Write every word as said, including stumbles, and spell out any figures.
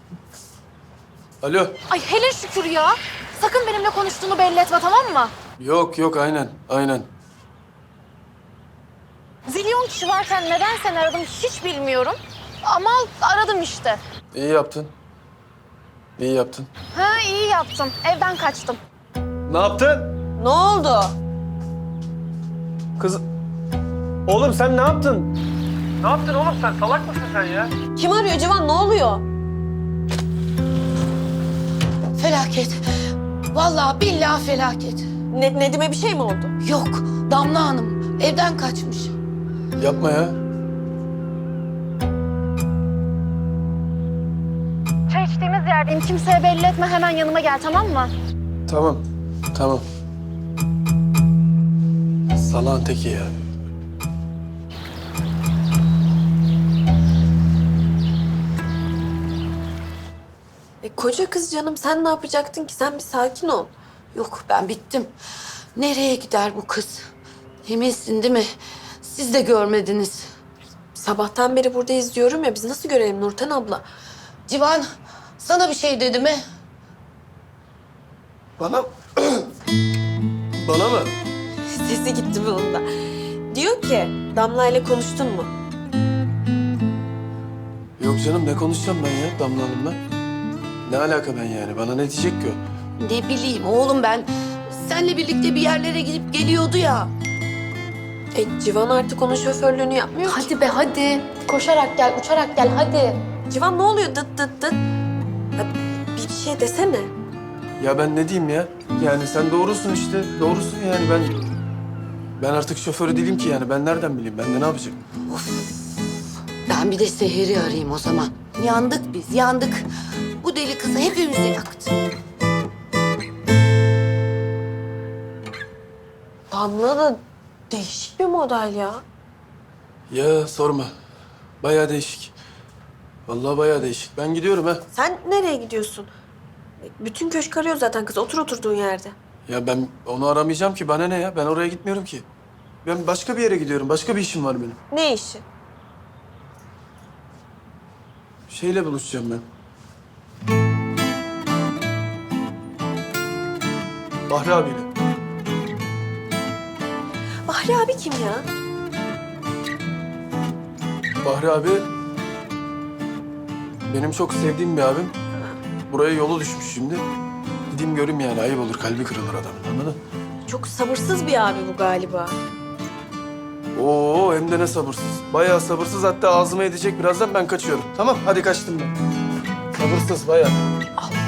Alo. Ay hele şükür ya. Sakın benimle konuştuğunu belli etme, tamam mı? Yok yok aynen aynen. Zilyon kişi varken neden seni aradım hiç bilmiyorum. Ama aradım işte. İyi yaptın. İyi yaptın. Ha iyi yaptım. Evden kaçtım. Ne yaptın? Ne oldu? Kız... Oğlum sen ne yaptın? Ne yaptın oğlum sen? Salak mısın sen ya? Kim arıyor Civan? Ne oluyor? Felaket. Vallahi billahi felaket. Ne, Nedim'e bir şey mi oldu? Yok, Damla Hanım evden kaçmış. Yapma ya. Çay içtiğimiz yerdeyim. Kimseye belli etme. Hemen yanıma gel, tamam mı? Tamam. Tamam. Salağın teki ya. E, koca kız canım, sen ne yapacaktın ki? Sen bir sakin ol. Yok, ben bittim. Nereye gider bu kız? Eminsin değil mi? Siz de görmediniz. Sabahtan beri burada izliyorum ya, biz nasıl görelim Nurten abla? Civan, sana bir şey dedi mi? Bana... Bana mı? Sesi gitti bunun da. Diyor ki, Damla ile konuştun mu? Yok canım ne konuşacağım ben ya Damla Hanım'la? Ne alaka ben yani? Bana ne diyecek ki o? Ne bileyim oğlum ben. Seninle birlikte bir yerlere gidip geliyordu ya. E, Civan artık onun şoförlüğünü yapmıyor ki. Hadi be hadi. Koşarak gel, uçarak gel hadi. Civan ne oluyor dıt dıt dıt? Ya, bir şey desene. Ya ben ne diyeyim ya? Yani sen doğrusun işte. Doğrusun yani ben... Ben artık şoförü değilim ki yani. Ben nereden bileyim? Ben de ne yapacağım? Ben bir de Seher'i arayayım o zaman. Yandık biz, yandık. Bu deli kızı hepimizi yaktı. Damla da değişik bir model ya. Ya sorma. Bayağı değişik. Vallahi bayağı değişik. Ben gidiyorum ha. Sen nereye gidiyorsun? E, bütün köşk arıyor zaten kız. Otur oturduğun yerde. Ya ben onu aramayacağım ki. Bana ne ya? Ben oraya gitmiyorum ki. Ben başka bir yere gidiyorum. Başka bir işim var benim. Ne işi? Şeyle buluşacağım ben. Bahri abiyle. Bahri abi kim ya? Bahri abi benim çok sevdiğim bir abim. Buraya yolu düşmüş şimdi. Gideyim göreyim yani. Ayıp olur. Kalbi kırılır adamın. Anladın? Çok sabırsız bir abi bu galiba. Oo hem de ne sabırsız. Bayağı sabırsız. Hatta ağzıma edecek birazdan ben kaçıyorum. Tamam hadi kaçtım ben. Sabırsız bayağı. Allah